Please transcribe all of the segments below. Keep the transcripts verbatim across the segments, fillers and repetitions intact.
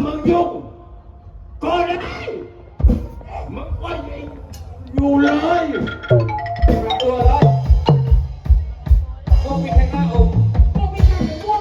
มึงยุ่งก็ได้มึงก็อยู่เลยตัวเลยพวกมีใครกล้าอมพวกมีใครไม่ว่าง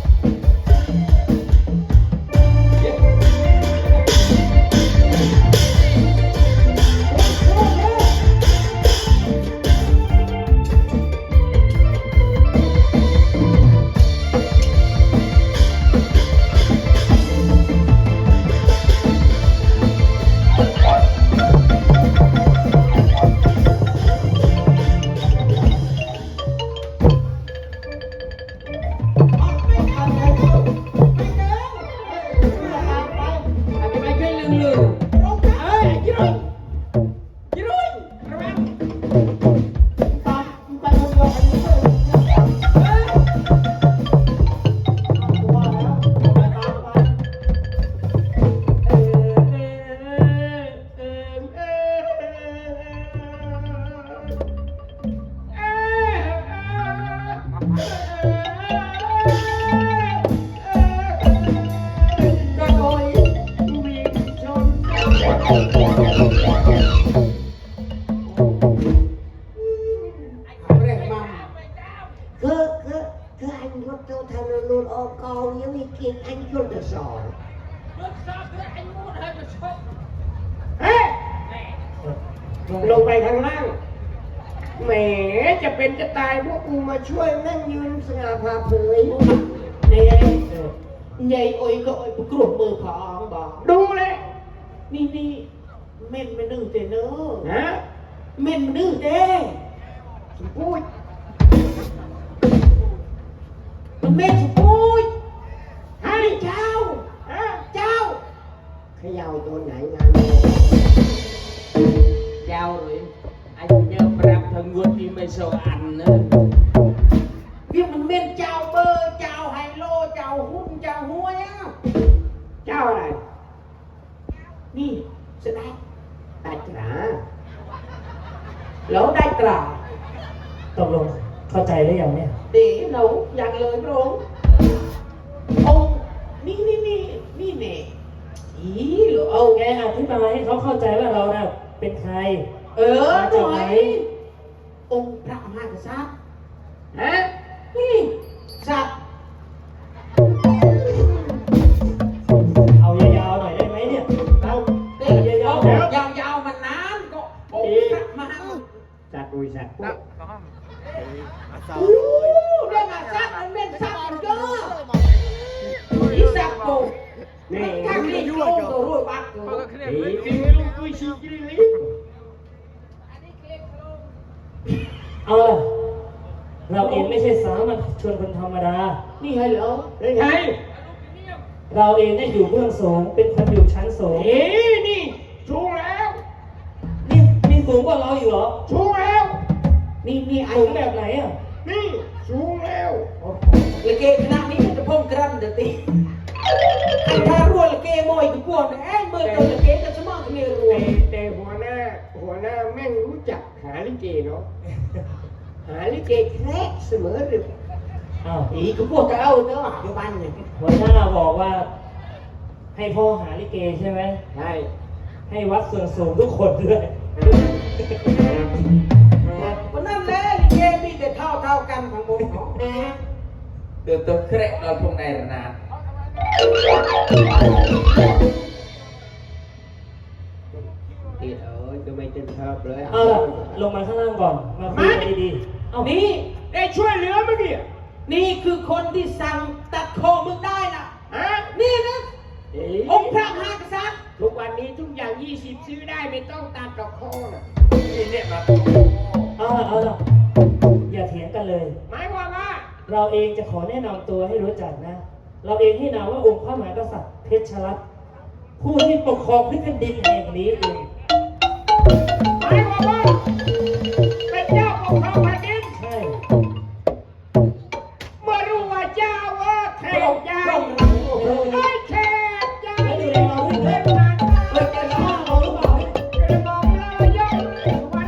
ลงไปข้างล่างแหมจะเป็นจะตายพวกกูมาช่วยนั่งยืนสง่าผ่าเผยเนี่ยใหญ่โอยก็โอยกรุบมือผองบอกดูเลยนี่นี่เม่นมันดื้อเต้เนอะฮะเม่นมันดื้อเต้พูดมันเม่นพูดให้เจ้าฮะเจ้าขย่าตัวไหนงานเจ้าเลยanh nhớ rap thằng nguồn đi mấy số ăn nữa việc mình men chào bơ chào hay lô chào hút chào hôi á chào này đi sẽ đây đại trả lỗ đại trả ตกลงเข้าใจหรือยังเนี่ย để nấu dạng lời rồi ôngนี่นี่นี่นี่แน่อีหรือเอาแกอธิบายให้เขาเข้าใจว่าเราน่ะเป็นใครเออหน่อยองค์พระมหากษัตริย์ฮะนี่สัตว์เอายาวๆหน่อยได้ไหมเนี่ยเอาเด็กยาวยาวๆมันนานก็องค์พระมหากษัตริย์สัตว์ดุยสัตว์อู้ได้มาสัตว์มันเป็นสัตว์มันก็อีสัตว์กูนี่ถ้าคลิกลงตัวรุ่ยบักกูนี่ลงตัวชี้กิริลิเออเราเองไม่ใช่สามัญชนคนธรรมดานี่ไงเหรอได้ไงเราเองได้อยู่เบื้องสูงเป็นคนอยู่ชั้นสูงเอ๊นี่สูงแล้วนี่มีสูงกว่าเราอยู่เหรอสูงแล้วนี่นี่ไอ้สูงแบบไหนอ่ะนี่สูงแล้วละเกคณะนี้จะพ่งกรันเดี๋ยวตีไอ้ท่ารัวละเกมอยกูกลัวแม่เมื่อตัวละเกจะสมองเนี่ยรัวแต่หัวหน้าหัวหน้าแม่งรู้จักหาลิเกเนาะหาลิเกแครกเสมอหรืออ้าวอีกูกลัวจะเอาเนาะอยู่บ้านเนี่ยหัวหน้าบอกว่าให้พ่อหาลิเกใช่ไหมใช่ให้วัดส่วนสูงทุกคนด้วยวันนั้นแหละลิเกมีแต่เท่าเท่ากันทั้งหมดเนาะเดี๋ยวตัวแครกเราพวกนายนานติดเอ้ยจะไม่เต็มชอบเลยเอาล่ะลงมาข้างล่างก่อนมาคุยกันดีๆเอานี่ได้ช่วยเหลือมั้ยเนี่ยนี่คือคนที่สั่งตัดคอมึงได้นะฮะนี่นะองค์พระมหากษัตริย์ทุกวันนี้ทุกอย่างยี่สิบซื้อได้ไม่ต้องตัดดอกคอนะนี่เนี่ยมาเอาล่ะเอาล่ะอย่าเถียงกันเลยหมายความว่าเราเองจะขอแนะนำตัวให้รู้จักนะเราเองให้นามว่าองค์พระมหากษัตริย์เพชรรัตน์ผู้ที่ปกครองพื้นแผ่นดินแห่งนี้เองหมายความว่าเป็นเจ้าปกครองแผ่นดินใช่เมื่อรู้ว่าเจ้าว่าแขกใหญ่ไอ้แขกใหญ่ดูแลเราด้วยเถิดเราจะฆ่าเราหรือเปล่าจะมองเราย่อมวัน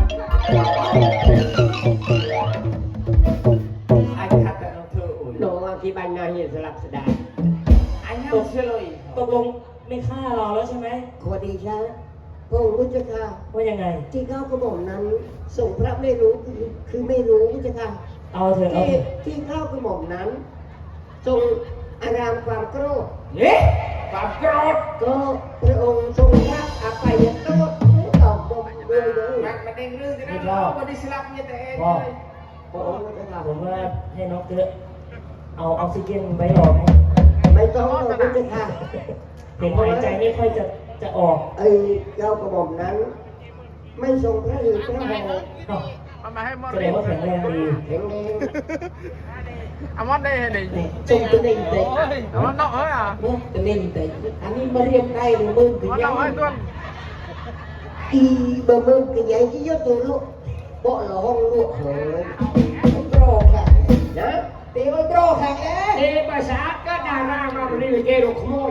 ไอ้ขัดแต่เราเธออุ่นโน้ที่บ้านนาเหียนสลับสดาไอ้เฮาเฉลยตกลงไม่ฆ่าเราแล้วใช่ไหมขอดีชะพระองค์พุทธค่ะว่ายังไงที่เก้ากระหม่อมนั้นส่งพระไม่รู้คือคือไม่รู้พุทธค่ะเอาเถอะเอาที่เถอะที่เก้ากระหม่อมนั้นทรงอารามความโกรธเอ๊ะความโกรธก็พระองค์ทรงรับอภัยโทษไม่ตอบบ่มเลยเลยมันมันเองเรื่องที่นั่นเราไม่ได้สลับเนี่ยแต่เองพ่อเลยพระองค์พุทธค่ะผมว่าให้น้องเกลือเอาออกซิเจนไว้รอไหมไม่ต้องหรอกพุทธค่ะเห็นหายใจไม่ค่อยจะจะออกไอ้เจ้ากระหม่อมนั้น ไม่ทรงพระฤทธิ์พระหออ้าวมันมาให้มอดแสดงว่าแข็งแรงดีแข็งแรงอามอดได้เห็นดิทรงตัวเองแต่อามอดเนาะเฮ้ยอ่ะเมื่อตัวเองแต่อันนี้มาเรียกได้หรือมึงคืออามอดยัเนาะงเฮ้ยตัวอีบะมึงคือยังที่ยศตัวลูกเบาะหลห้องลูกเฮ้ยโตรค่ะนะตีไว้โตรค่ะเอ๊ะเอ๊ะภาษาก็ดารามาวันนี้เลยเกโรขโมย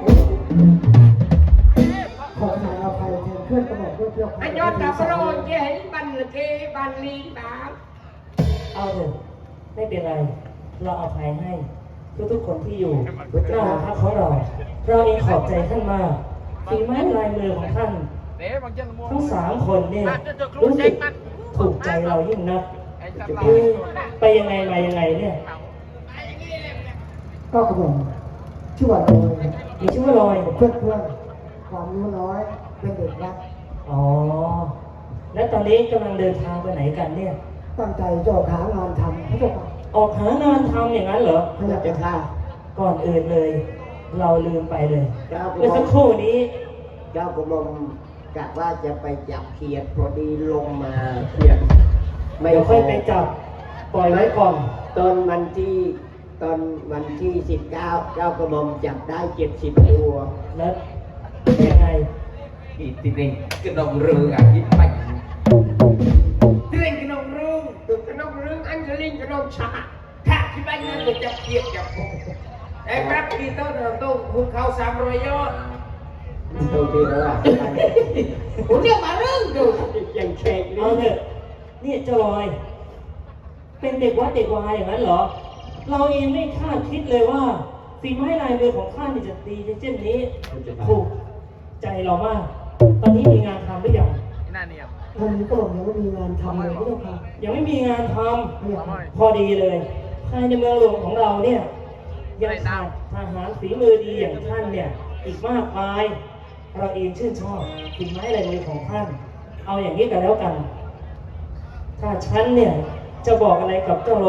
ขอทานอภัยแทนเพื่อนกระหม่อมเพื่อนเพื่อนอันยอดดับโรนเกเห็นบันเกบันลีบาเอาเถอะไม่เป็นไร เราอภัยให้ทุกๆคนที่อยู่หน้าพักของเรา เราเองขอบใจท่านมากฝีไม้ลายมือของท่านเอ๊ะบางเจ้าทั้งสามคนเนี่ยรู้สึกถูกใจเรายิ่งนักไอ้จับเอ้ยไปยังไงมายังไงเนี่ยก็กระหม่อมชื่อว่าโดยมีชื่อว่าลอยเพื่อนเพื่อนความรู้น้อยเป็นเด็กรักอ๋อ แล้วตอนนี้กำลังเดินทางไปไหนกันเนี่ยตั้งใจจะออกหางานทำพระเจ้าค่ะออกหางานทำอย่างนั้นเหรอพระเจ้าค่ะก่อนอื่นเลย เราลืมไปเลยเจ้ากระเมื่อหม่สัอก มครู่นี้เจ้ากระหม่อมกะว่าจะไปจับเขียดพอดีลงมาเขียดไม่เดี๋ยวค่อยไปจับ ปล่อยไว้ก่อนตอนวันที่ตอนวันที่สิบเก้าเจ้ากระหม่อมจับได้เจ็ดสิบตัวแล้วยังไงอีติเร่งกระดองเรืออ่ะยิ้มไปติเร่งกระดองเรือตึกกระดองเรืออันจะลิงกระดองชาถ้าที่บ้านนั้นจะจับเกียดจับไอ้แป๊บดีโต้เดินโต้คุณเขาสามร้อยยอดโอเคแล้วล่ะผมเรียกมาเรื่องดูยังแขกเอานี่เถอะนี่เจ้าลอย เป็นเด็กวัดเด็กวายอย่างนั้นเหรอ เราเองไม่คาดคิดเลยว่าฝีไม้ลายมือของข้านี่จะดีเช่นนี้ถูกใจเรามาก ตอนนี้มีงานทำหรือยังน่าเนียมตอนนี้ก็บอกยังไม่มีงานทำเลยพระเจ้าค่ะยังไม่มีงานทพระเจ้าค่ะำพอดีเลย ภายในเมืองหลวงของเราเนี่ย ยังขาดทหารฝีมือดีอย่างท่านเนี่ย อีกมากมาย เราเองชื่นชอบฝีไม้ลายมือของท่าน เอาอย่างนี้กันแล้วกัน ถ้าฉันเนี่ยจะบอกอะไรกับเจ้า